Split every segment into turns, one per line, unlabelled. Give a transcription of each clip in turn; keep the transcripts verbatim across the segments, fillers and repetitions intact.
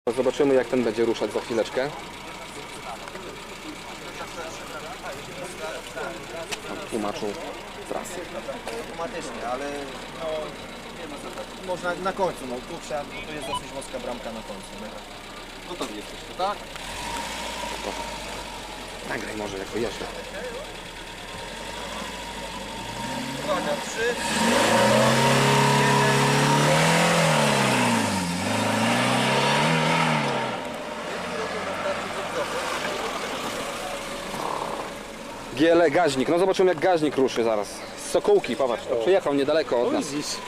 Zobaczymy, jak ten będzie ruszać za chwileczkę. Tłumaczył trasę.
Automatycznie, ale no, nie ma co tak. Można na końcu, no tu trzeba, bo to jest dosyć wąska bramka na końcu. Nie? Gotowi jesteście, tak?
Nagraj może, jak wyjeżdża.
Uwaga, trzy.
Giele, gaźnik. No zobaczymy, jak gaźnik ruszy zaraz. Z Sokółki, popatrz, to przyjechał niedaleko od nas.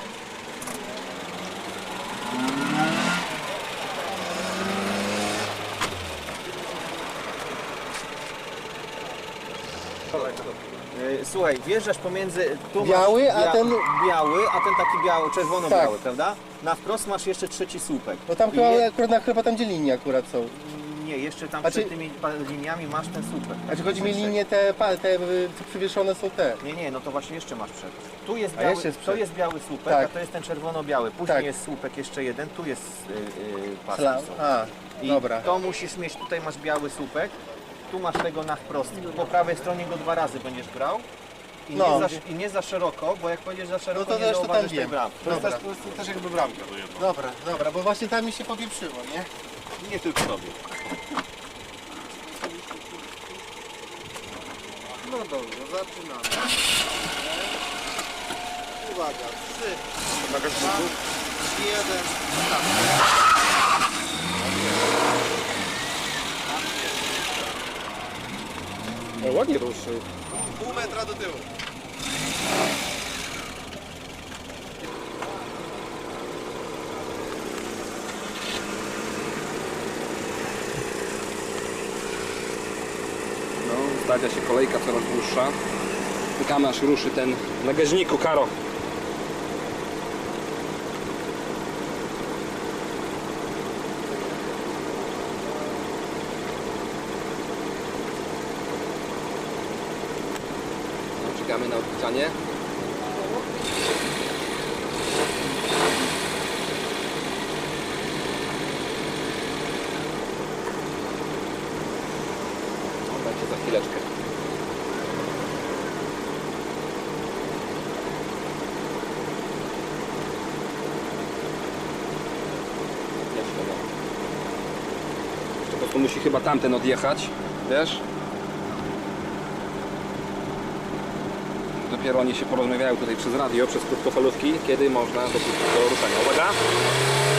Słuchaj, wjeżdżasz pomiędzy... Tu
Biały,
masz
a ten-
Biały, a ten taki biały, czerwono-biały,
Tak.
prawda? Na wprost masz jeszcze trzeci słupek.
No tam
I
chyba,
je-
akurat, na, chyba tam gdzie linie akurat są.
Nie, jeszcze tam
A
przed
czy-
tymi pa- liniami masz ten słupek.
A czy chodzi mi linie te, pa- te y, co przywieszone są te?
Nie, nie, no to właśnie jeszcze masz przed. Tu jest
A
biały,
jeszcze jest
to
przed.
jest biały słupek,
Tak.
a to jest ten czerwono-biały. Później
Tak.
jest słupek jeszcze jeden, tu jest yy, yy, pas.
Sla- A,
I
dobra.
to musisz mieć, tutaj masz biały słupek, tu masz tego na wprost. Po prawej stronie go dwa razy będziesz brał. I,
No.
nie, za, I nie za szeroko, bo jak pojedziesz za szeroko,
No to
nie
też to tam
zauważysz tej
wiem.
bramki.
To jest
Dobra.
też, to jest też jakby bramka. Dobra, dobra, bo właśnie tam mi się popieprzyło, nie?
Nie tylko tobie.
No dobrze, zaczynamy. Uwaga, trzy, dwa, jeden,
O, ładnie ruszył.
pół metra do tyłu.
No, stawia się kolejka coraz dłuższa. Czekamy, aż ruszy ten na gaźniku, Karo. No, czekamy na odpisanie. No, będzie za chwileczkę. Jeszcze no. Jeszcze po prostu musi chyba tamten odjechać, wiesz? Dopiero oni się porozmawiają tutaj przez radio, przez krótkofalówki, kiedy można dopuścić do ruszenia. Uwaga!